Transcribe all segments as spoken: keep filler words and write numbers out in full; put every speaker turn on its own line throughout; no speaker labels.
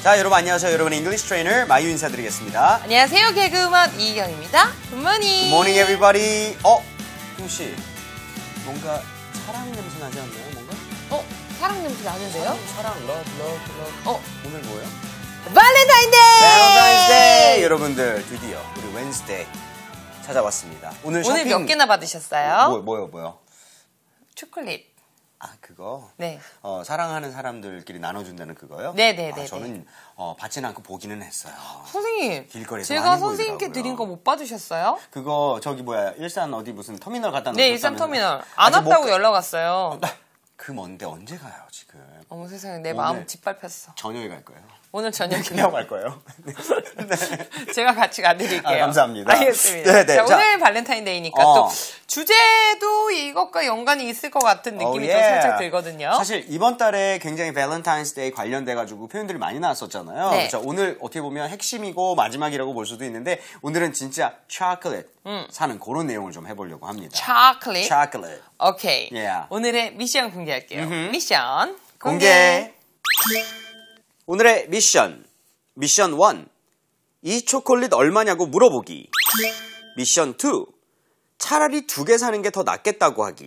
자, 여러분 안녕하세요. 여러분의 잉글리시 트레이너 마유 인사드리겠습니다.
안녕하세요. 개그우먼 이희경입니다. 굿모닝.
굿모닝 에브리바디. 어? 김씨, 뭔가 사랑 냄새 나지 않나요? 뭔가?
어? 사랑 냄새 나는데요?
사랑, 사랑, 러브, 러브, 러브.
어?
오늘 뭐예요?
발렌타인데이!
발렌타인데이! 여러분들 드디어 우리 웬스데이 찾아왔습니다. 오늘 쇼핑...
오늘 몇 개나 받으셨어요?
뭐, 뭐요, 뭐요?
초콜릿.
아, 그거?
네.
어, 사랑하는 사람들끼리 나눠준다는 그거요?
네네네.
아, 저는 어, 받지는 않고 보기는 했어요.
선생님.
길거리에서
제가
많이
선생님께
보이더라고요.
드린 거 못 받으셨어요?
그거 저기 뭐야 일산 어디 무슨 터미널 갖다 놓고
네, 일산 터미널. 안 왔다고 연락 왔어요.
그 먼데 언제 가요 지금?
어머 세상에 내 마음 짓밟혔어.
저녁에 갈 거예요.
오늘 저녁에
그냥 갈 거예요. 네.
제가 같이 가드릴게요.
아, 감사합니다.
알겠습니다.
네, 네.
자,
자,
오늘 발렌타인데이니까
어.
또 주제도 이것과 연관이 있을 것 같은 느낌이
oh,
또
yeah.
살짝 들거든요.
사실 이번 달에 굉장히 발렌타인스데이 관련돼가지고 표현들이 많이 나왔었잖아요.
네.
그렇죠? 오늘 어떻게 보면 핵심이고 마지막이라고 볼 수도 있는데 오늘은 진짜 초콜릿
음.
사는 그런 내용을 좀 해보려고 합니다.
초콜릿.
초콜릿.
오케이.
Yeah.
오늘의 미션 공개할게요. 미션
공개.
공개.
오늘의 미션. 미션 일. 이 초콜릿 얼마냐고 물어보기. 미션 이. 차라리 두 개 사는 게 더 낫겠다고 하기.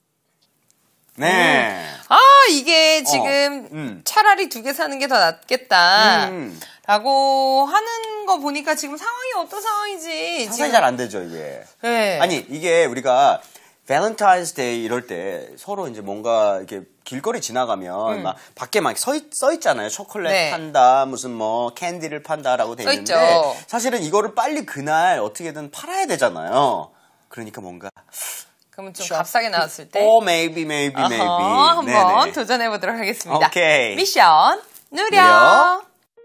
네.
음. 아, 이게 지금
어, 음.
차라리 두 개 사는 게 더 낫겠다.
음.
라고 하는 거 보니까 지금 상황이 어떤 상황이지?
상상이 잘 안 되죠, 이게.
네.
아니, 이게 우리가 발렌타인스데이 이럴 때 서로 이제 뭔가 이렇게 길거리 지나가면
음.
막 밖에 막 서, 써 있잖아요. 초콜릿
네.
판다, 무슨 뭐 캔디를 판다라고 돼
써
있는데
있죠.
사실은 이거를 빨리 그날 어떻게든 팔아야 되잖아요. 그러니까 뭔가
그러면 좀 값싸게 나왔을 때.
Oh, maybe, maybe, maybe.
어허, 한번
네네.
도전해보도록 하겠습니다.
오케이.
미션 누려.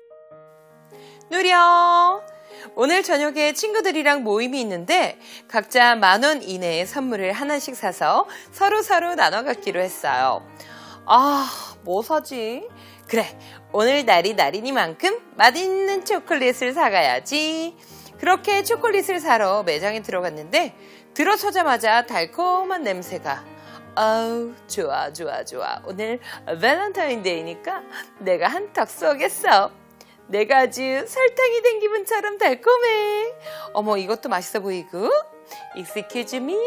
누려. 오늘 저녁에 친구들이랑 모임이 있는데 각자 만 원 이내의 선물을 하나씩 사서 서로서로 나눠 갖기로 했어요. 아, 뭐 사지? 그래, 오늘 날이 날이니만큼 맛있는 초콜릿을 사가야지. 그렇게 초콜릿을 사러 매장에 들어갔는데 들어서자마자 달콤한 냄새가 아우 좋아 좋아 좋아. 오늘 발렌타인데이니까 내가 한턱 쏘겠어. 내가 아주 설탕이 된 기분처럼 달콤해. 어머, 이것도 맛있어 보이고. Excuse me.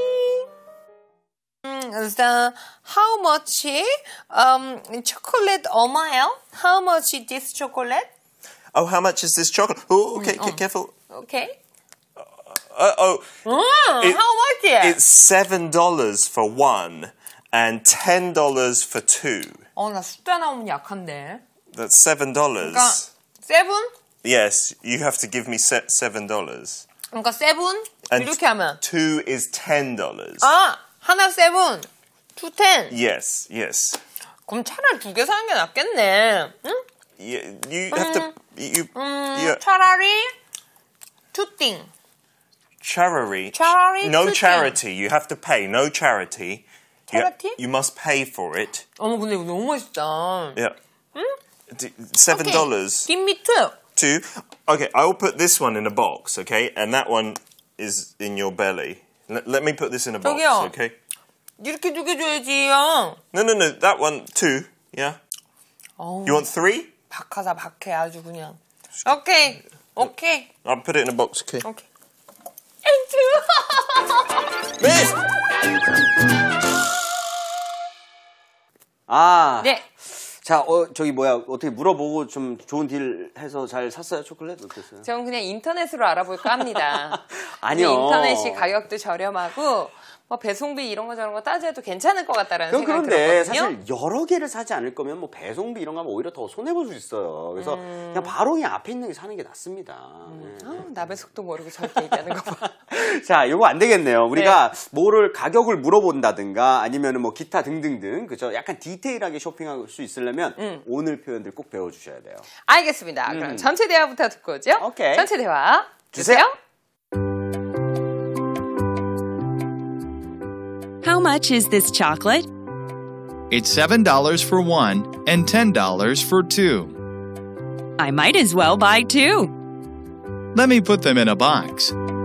음, so how much um chocolate 얼마요? How much is this chocolate?
Oh, how much is this chocolate? Oh, okay, okay, careful.
Okay.
Uh, oh,
음,
It-
how much?
it's seven dollars for one and ten dollars for two.
어, 나 숫자 나오면 약한데.
That's seven dollars.
그러니까 세븐?
Yes, you have to give me se- seven dollars.
그러니까 세븐?
And
이렇게 하면
two is ten dollars.
아, 하나 세븐, 투 텐.
Yes, yes.
그럼 차라리 두 개 사는 게 낫겠네. 응?
Yeah, you have to. You.
음,
you
차라리 투 띵.
charity.
Charity,
No
two
charity. You have to pay. No charity. You-
Charity?
You, must pay for it.
어머, 근데 이거 너무 맛있다.
Yeah. D- Seven dollars.
Give me two.
Two. Okay, I will put this one in a box, okay? And that one is in your belly. Let, let me put this in a box,
저기요.
okay?
이렇게 두 개 줘야지요.
No, no, no. That one, two. Yeah.
어우,
You want three?
박하사 박해 아주 그냥. 오케이, 오케이,
I'll put it in a box, okay?
오케이. 땡큐.
Miss!
아,
네.
자, 어, 저기 뭐야 어떻게 물어보고 좀 좋은 딜 해서 잘 샀어요 초콜릿 어땠어요?
저는 그냥 인터넷으로 알아볼까 합니다.
아니요.
근데 인터넷이 가격도 저렴하고 뭐 배송비 이런 거 저런 거 따져도 괜찮을 것 같다라는
그럼
생각이
그런데
들었거든요.
사실 여러 개를 사지 않을 거면 뭐 배송비 이런 거 하면 오히려 더 손해볼 수 있어요. 그래서
음.
그냥 바로 그냥 앞에 있는 게 사는 게 낫습니다.
아, 나배 속도 모르고 저렇게 얘기하는 거 봐.
네. 자, 이거 안 되겠네요. 우리가 뭐를 가격을 물어본다든가 아니면 뭐 기타 등등등 그죠? 약간 디테일하게 쇼핑할 수 있으려면
음.
오늘 표현들 꼭 배워주셔야 돼요.
알겠습니다. 그럼 전체 대화부터 듣고 오죠.
오케이.
전체 대화
주세요.
주세요.
How much is this chocolate?
It's seven dollars for one and ten dollars for two.
I might as well buy two.
Let me put them in a box.